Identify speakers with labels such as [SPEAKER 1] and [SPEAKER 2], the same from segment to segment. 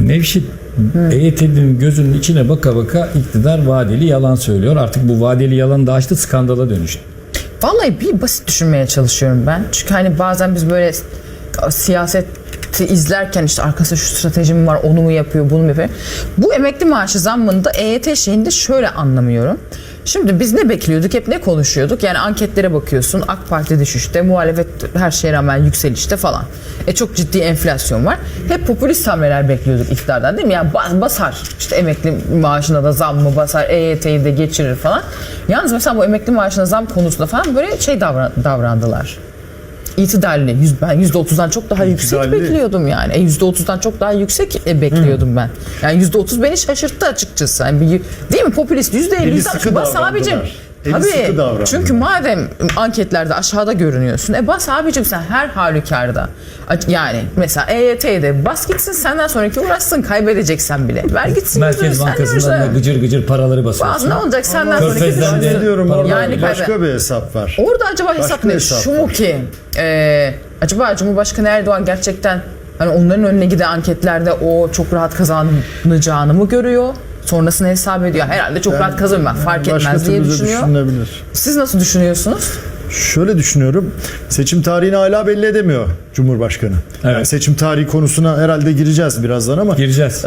[SPEAKER 1] Nevşit, EYT'nin gözünün içine baka baka iktidar vadeli yalan söylüyor. Artık bu vadeli yalan da açtı, skandala dönüştü.
[SPEAKER 2] Vallahi bir basit düşünmeye çalışıyorum ben. Çünkü hani bazen biz böyle siyaseti izlerken işte arkasında şu stratejim var, onu mu yapıyor, bunu mu yapıyor. Bu emekli maaşı zammında EYT şeyinde şöyle anlamıyorum. Şimdi biz ne bekliyorduk, hep ne konuşuyorduk? Yani anketlere bakıyorsun, AK Parti düşüşte, muhalefet her şeye rağmen yükselişte falan. Çok ciddi enflasyon var. Hep popülist hamleler bekliyorduk iktidardan, değil mi? Yani basar, işte emekli maaşına da zam mı basar, EYT'yi de geçirir falan. Yalnız mesela bu emekli maaşına zam konusunda falan böyle şey davrandılar. İtidalli. Ben %30'dan çok daha yüksek bekliyordum yani. %30'dan çok daha yüksek bekliyordum ben. Yani %30 beni şaşırttı açıkçası. Yani değil mi? Popülist %50 bas abicim. Tabii. Çünkü madem anketlerde aşağıda görünüyorsun, bas abicim sen her halükarda. Yani mesela EYT'de bas gitsin, senden sonraki uğraşsın, kaybedeceksen bile. Ver gitsin.
[SPEAKER 1] Merkez Bankası'ndan da gıcır gıcır paraları basıyorsun.
[SPEAKER 2] Ne olacak senden sonraki
[SPEAKER 3] diyorum orada yani başka bir hesap var.
[SPEAKER 2] Orada acaba hesap ne? Şu mu ki? Acaba Cumhurbaşkanı Erdoğan gerçekten hani onların önüne giden anketlerde o çok rahat kazanacağını mı görüyor? Sonrasını hesap ediyor. Herhalde çok rahat kazanır, fark etmez diye düşünüyor. Siz nasıl düşünüyorsunuz?
[SPEAKER 3] Şöyle düşünüyorum. Seçim tarihini hala belli edemiyor Cumhurbaşkanı.
[SPEAKER 1] Evet.
[SPEAKER 3] Yani seçim tarihi konusuna herhalde gireceğiz birazdan ama.
[SPEAKER 1] Gireceğiz.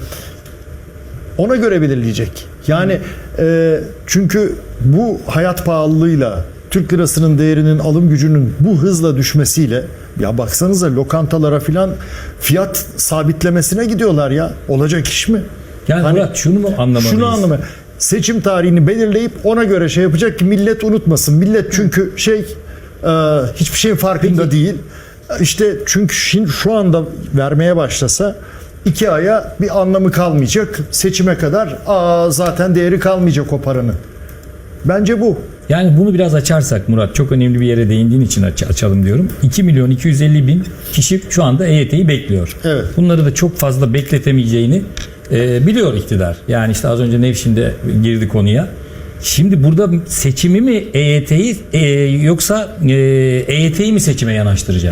[SPEAKER 3] Ona göre belirleyecek. Yani çünkü bu hayat pahalılığıyla Türk lirasının değerinin, alım gücünün bu hızla düşmesiyle, ya baksanıza lokantalara filan fiyat sabitlemesine gidiyorlar ya. Olacak iş mi?
[SPEAKER 1] Yani hani, Murat şunu mu anlamalıyız? Şunu anlamalıyız.
[SPEAKER 3] Seçim tarihini belirleyip ona göre şey yapacak ki millet unutmasın. Millet çünkü hiçbir şeyin farkında değil. İşte çünkü şu anda vermeye başlasa 2 aya bir anlamı kalmayacak. Seçime kadar zaten değeri kalmayacak o paranın. Bence bu.
[SPEAKER 1] Yani bunu biraz açarsak Murat, çok önemli bir yere değindiğin için açalım diyorum. 2.250.000 kişi şu anda EYT'yi bekliyor.
[SPEAKER 3] Evet.
[SPEAKER 1] Bunları da çok fazla bekletemeyeceğini biliyor iktidar. Yani işte az önce Nevşin de girdi konuya. Şimdi burada seçimi mi EYT'yi yoksa EYT'yi mi seçime yanaştıracak?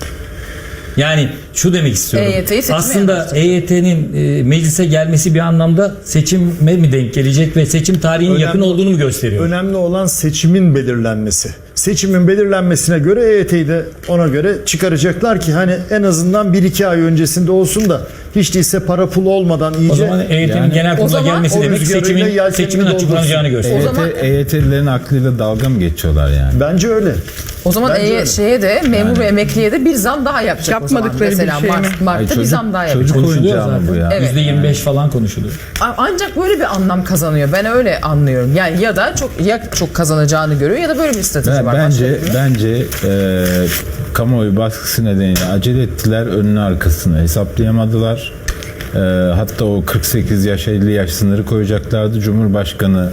[SPEAKER 1] Yani şu demek istiyorum. Aslında EYT'nin meclise gelmesi bir anlamda seçime mi denk gelecek ve seçim tarihinin yakın olduğunu mu gösteriyor?
[SPEAKER 3] Önemli olan seçimin belirlenmesi. Seçimin belirlenmesine göre EYT'yi de ona göre çıkaracaklar ki hani en azından 1-2 ay öncesinde olsun da hiç değilse para pul olmadan iyice.
[SPEAKER 1] O zaman EYT'nin genel kurula gelmesi demek seçimin açıklanacağını gösteriyor.
[SPEAKER 4] EYT'lilerin aklıyla dalga mı geçiyorlar yani?
[SPEAKER 3] Bence öyle.
[SPEAKER 2] O zaman şeye de memur ve emekliye de bir zam daha yapacak.
[SPEAKER 5] Yapmadıkları
[SPEAKER 2] mesela
[SPEAKER 5] bir şey mi?
[SPEAKER 2] Mart'ta bir zam daha yapacak.
[SPEAKER 4] Çocuk oyuncağı mı bu ya?
[SPEAKER 2] Evet.
[SPEAKER 1] %25 falan konuşuluyor.
[SPEAKER 2] Ancak böyle bir anlam kazanıyor. Ben öyle anlıyorum. Yani ya da çok kazanacağını görüyor ya da böyle bir strateji var.
[SPEAKER 4] Bence kamuoyu baskısı nedeniyle acele ettiler, önünü arkasını hesaplayamadılar. Hatta o 48 yaş 50 yaş sınırı koyacaklardı. Cumhurbaşkanı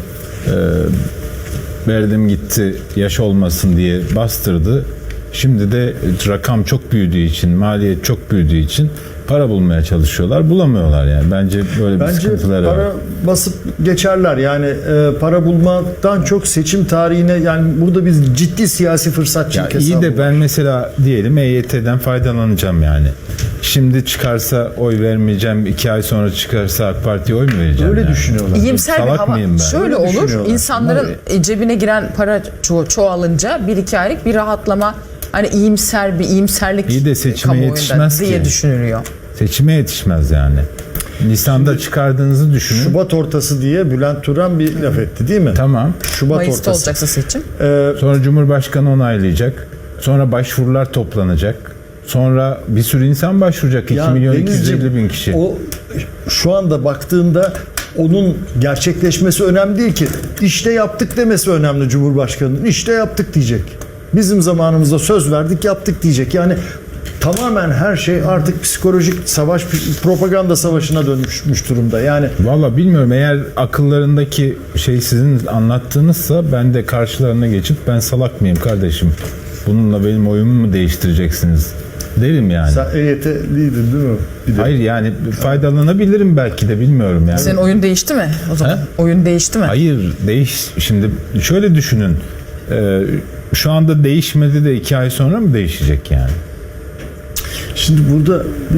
[SPEAKER 4] verdim gitti yaş olmasın diye bastırdı. Şimdi de rakam çok büyüdüğü için, maliyet çok büyüdüğü için para bulmaya çalışıyorlar. Bulamıyorlar yani. Bence böyle bir sıkıntıları var.
[SPEAKER 3] Para basıp geçerler. Yani para bulmaktan çok seçim tarihine, yani burada biz ciddi siyasi fırsatçılık hesabı.
[SPEAKER 4] İyi de ben mesela diyelim EYT'den faydalanacağım yani. Şimdi çıkarsa oy vermeyeceğim. 2 ay sonra çıkarsa AK Parti'ye oy mu vereceğim?
[SPEAKER 3] Öyle
[SPEAKER 4] yani?
[SPEAKER 3] düşünüyorlar.
[SPEAKER 2] İyimser bir hava. Şöyle olur. İnsanların cebine giren para çoğalınca 1-2 aylık bir rahatlama, hani iyimserlik
[SPEAKER 4] İyi de seçime yetişmez
[SPEAKER 2] diye
[SPEAKER 4] ki.
[SPEAKER 2] düşünülüyor.
[SPEAKER 4] Seçime yetişmez yani. Nisan'da çıkardığınızı düşünün.
[SPEAKER 3] Şubat ortası diye Bülent Turan bir laf etti değil mi?
[SPEAKER 4] Tamam.
[SPEAKER 3] Şubat
[SPEAKER 2] Mayıs'ta
[SPEAKER 3] ortası
[SPEAKER 2] olacaksa seçim.
[SPEAKER 4] Sonra Cumhurbaşkanı onaylayacak. Sonra başvurular toplanacak. Sonra bir sürü insan başvuracak. 2.250.000 kişi.
[SPEAKER 3] O şu anda baktığında onun gerçekleşmesi önemli değil ki. İşte yaptık demesi önemli Cumhurbaşkanı'nın. İşte yaptık diyecek. Bizim zamanımızda söz verdik, yaptık diyecek. Yani tamamen her şey artık psikolojik savaş, propaganda savaşına dönmüş durumda. Yani
[SPEAKER 4] valla bilmiyorum, eğer akıllarındaki şey sizin anlattığınızsa ben de karşılarına geçip ben salak mıyım kardeşim? Bununla benim oyumu mu değiştireceksiniz derim yani.
[SPEAKER 3] Sen EYT'liydin değil mi?
[SPEAKER 4] Hayır yani faydalanabilirim belki de, bilmiyorum yani.
[SPEAKER 2] Senin oyun değişti mi o zaman? Oyun değişti mi?
[SPEAKER 4] Hayır şimdi şöyle düşünün. Şu anda değişmedi de 2 ay sonra mı değişecek yani?
[SPEAKER 3] Şimdi burada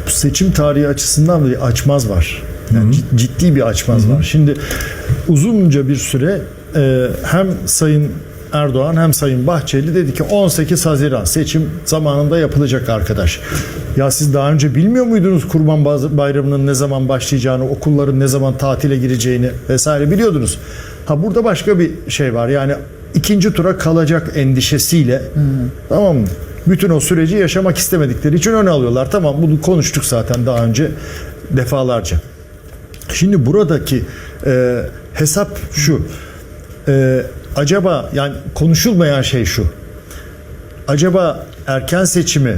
[SPEAKER 3] bu seçim tarihi açısından bir açmaz var. Yani ciddi bir açmaz var. Şimdi uzunca bir süre hem Sayın Erdoğan hem Sayın Bahçeli dedi ki 18 Haziran seçim zamanında yapılacak arkadaş. Ya siz daha önce bilmiyor muydunuz Kurban Bayramı'nın ne zaman başlayacağını, okulların ne zaman tatile gireceğini vesaire biliyordunuz. Ha burada başka bir şey var. Yani ikinci tura kalacak endişesiyle tamam mı? Bütün o süreci yaşamak istemedikleri için öne alıyorlar. Tamam, bunu konuştuk zaten daha önce defalarca. Şimdi buradaki hesap şu. Acaba yani konuşulmayan şey şu. Acaba erken seçimi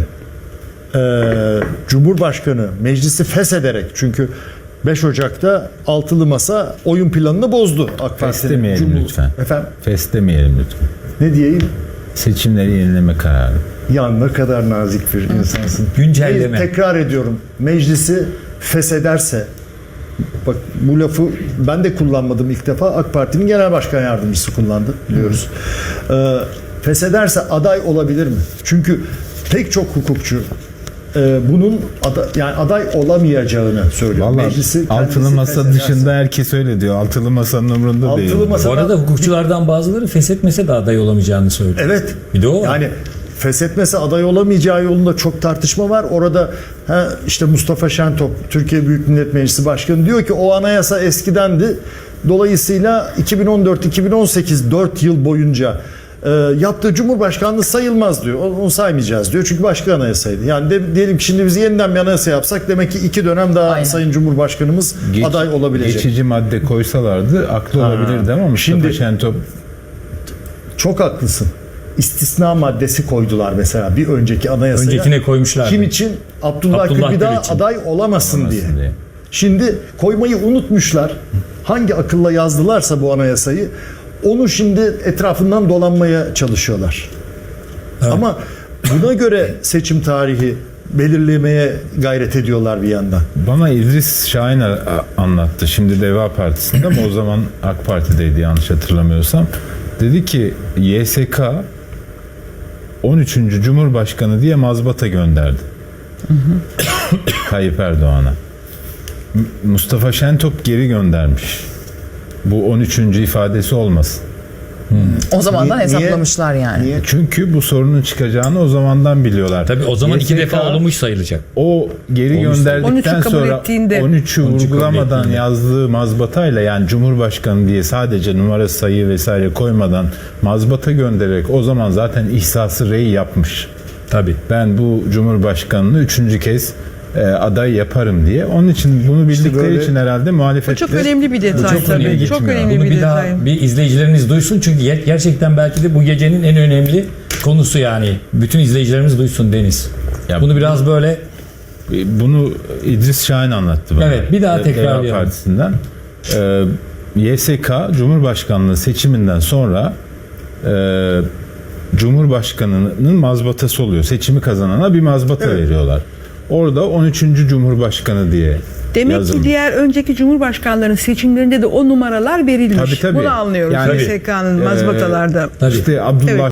[SPEAKER 3] Cumhurbaşkanı meclisi feshederek, çünkü 5 Ocak'ta altılı masa oyun planını bozdu AK Parti'nin.
[SPEAKER 4] Feslemeyelim lütfen.
[SPEAKER 3] Efendim?
[SPEAKER 4] Feslemeyelim lütfen.
[SPEAKER 3] Ne diyeyim?
[SPEAKER 4] Seçimleri yenileme kararı.
[SPEAKER 3] Ya ne kadar nazik bir insansın.
[SPEAKER 1] Güncelleme.
[SPEAKER 3] Tekrar ediyorum. Meclisi feshederse, bak bu lafı ben de kullanmadım ilk defa. AK Parti'nin genel başkan yardımcısı kullandı biliyoruz. Feshederse aday olabilir mi? Çünkü pek çok hukukçu bunun yani aday olamayacağını söylüyor.
[SPEAKER 4] Vallahi
[SPEAKER 3] Meclisi
[SPEAKER 4] altılı masa
[SPEAKER 3] feshederse.
[SPEAKER 4] dışında herkes öyle diyor. Altılı masanın umurunda değil.
[SPEAKER 3] Altılı masa
[SPEAKER 1] Bu arada hukukçulardan bazıları feshetmese de aday olamayacağını söylüyor.
[SPEAKER 3] evet.
[SPEAKER 1] Bir de o var.
[SPEAKER 3] Yani feshetmese aday olamayacağı yolunda çok tartışma var. Orada işte Mustafa Şentop, Türkiye Büyük Millet Meclisi Başkanı diyor ki o anayasa eskidendi. Dolayısıyla 2014-2018 4 yıl boyunca yaptığı Cumhurbaşkanlığı sayılmaz diyor. Onu saymayacağız diyor. Çünkü başka anayasaydı. Yani diyelim ki şimdi biz yeniden bir anayasa yapsak demek ki 2 dönem daha
[SPEAKER 2] Aynen.
[SPEAKER 3] Sayın Cumhurbaşkanımız aday olabilecek.
[SPEAKER 4] Geçici madde koysalardı aklı olabilirdi ama Mustafa
[SPEAKER 3] Şimdi-
[SPEAKER 4] Şentop
[SPEAKER 3] Çok haklısın. İstisna maddesi koydular mesela bir önceki anayasaya.
[SPEAKER 1] Öncekine koymuşlardı.
[SPEAKER 3] Kim için? Abdullah Gül bir daha
[SPEAKER 1] için.
[SPEAKER 3] aday olamasın diye.
[SPEAKER 4] diye.
[SPEAKER 3] Şimdi koymayı unutmuşlar. Hangi akılla yazdılarsa bu anayasayı onu şimdi etrafından dolanmaya çalışıyorlar.
[SPEAKER 1] Evet.
[SPEAKER 3] Ama buna göre seçim tarihi belirlemeye gayret ediyorlar bir yandan.
[SPEAKER 4] Bana İdris Şahin anlattı. Şimdi Deva Partisi'nde ama o zaman AK Parti'deydi yanlış hatırlamıyorsam. Dedi ki YSK 13. Cumhurbaşkanı diye mazbata gönderdi. Tayyip Erdoğan'a. Mustafa Şentop geri göndermiş. Bu 13. ifadesi olmasın.
[SPEAKER 2] O zamandan
[SPEAKER 3] Niye-
[SPEAKER 2] hesaplamışlar yani.
[SPEAKER 3] Niye?
[SPEAKER 4] Çünkü bu sorunun çıkacağını o zamandan biliyorlar.
[SPEAKER 1] Tabii o zaman 2
[SPEAKER 4] YSK
[SPEAKER 1] defa olmuş sayılacak.
[SPEAKER 4] O geri
[SPEAKER 1] Olmuş.
[SPEAKER 4] gönderdikten
[SPEAKER 5] 13'ü kabul
[SPEAKER 4] sonra
[SPEAKER 5] ettiğinde.
[SPEAKER 4] 13'ü
[SPEAKER 1] 13'ü kabul
[SPEAKER 4] vurgulamadan
[SPEAKER 1] ettiğinde.
[SPEAKER 4] yazdığı mazbatayla, yani Cumhurbaşkanı diye sadece numara sayı vesaire koymadan mazbata göndererek o zaman zaten ihsası rey yapmış.
[SPEAKER 1] Tabii.
[SPEAKER 4] Ben bu Cumhurbaşkanını 3. kez aday yaparım diye. Onun için bunu bildikleri
[SPEAKER 3] böyle-
[SPEAKER 4] için herhalde
[SPEAKER 5] Bu
[SPEAKER 4] muhalefetle
[SPEAKER 5] çok önemli bir detay
[SPEAKER 1] çok önemli
[SPEAKER 5] tabii.
[SPEAKER 4] gitmiyor.
[SPEAKER 5] Çok önemli
[SPEAKER 1] Bunu
[SPEAKER 5] bir
[SPEAKER 1] bir daha
[SPEAKER 5] detay.
[SPEAKER 1] bir izleyicileriniz duysun çünkü gerçekten belki de bu gecenin en önemli konusu yani. Bütün izleyicilerimiz duysun Deniz.
[SPEAKER 4] Ya
[SPEAKER 1] Bunu biraz böyle
[SPEAKER 4] bunu İdris Şahin anlattı bana.
[SPEAKER 1] Evet, bir daha
[SPEAKER 4] Deva
[SPEAKER 1] tekrarlayalım.
[SPEAKER 4] Partisi'nden. YSK Cumhurbaşkanlığı seçiminden sonra Cumhurbaşkanının mazbatası oluyor. Seçimi kazanana bir mazbata veriyorlar. Orada 13. Cumhurbaşkanı diye
[SPEAKER 5] Demek
[SPEAKER 4] yazılmış.
[SPEAKER 5] ki diğer önceki cumhurbaşkanlarının seçimlerinde de o numaralar verilmiş.
[SPEAKER 4] Tabii, tabii.
[SPEAKER 5] Bunu anlıyoruz
[SPEAKER 4] Yani,
[SPEAKER 5] YSK'nın mazbatalarda.
[SPEAKER 1] tabii.
[SPEAKER 4] İşte Abdullah
[SPEAKER 5] Evet.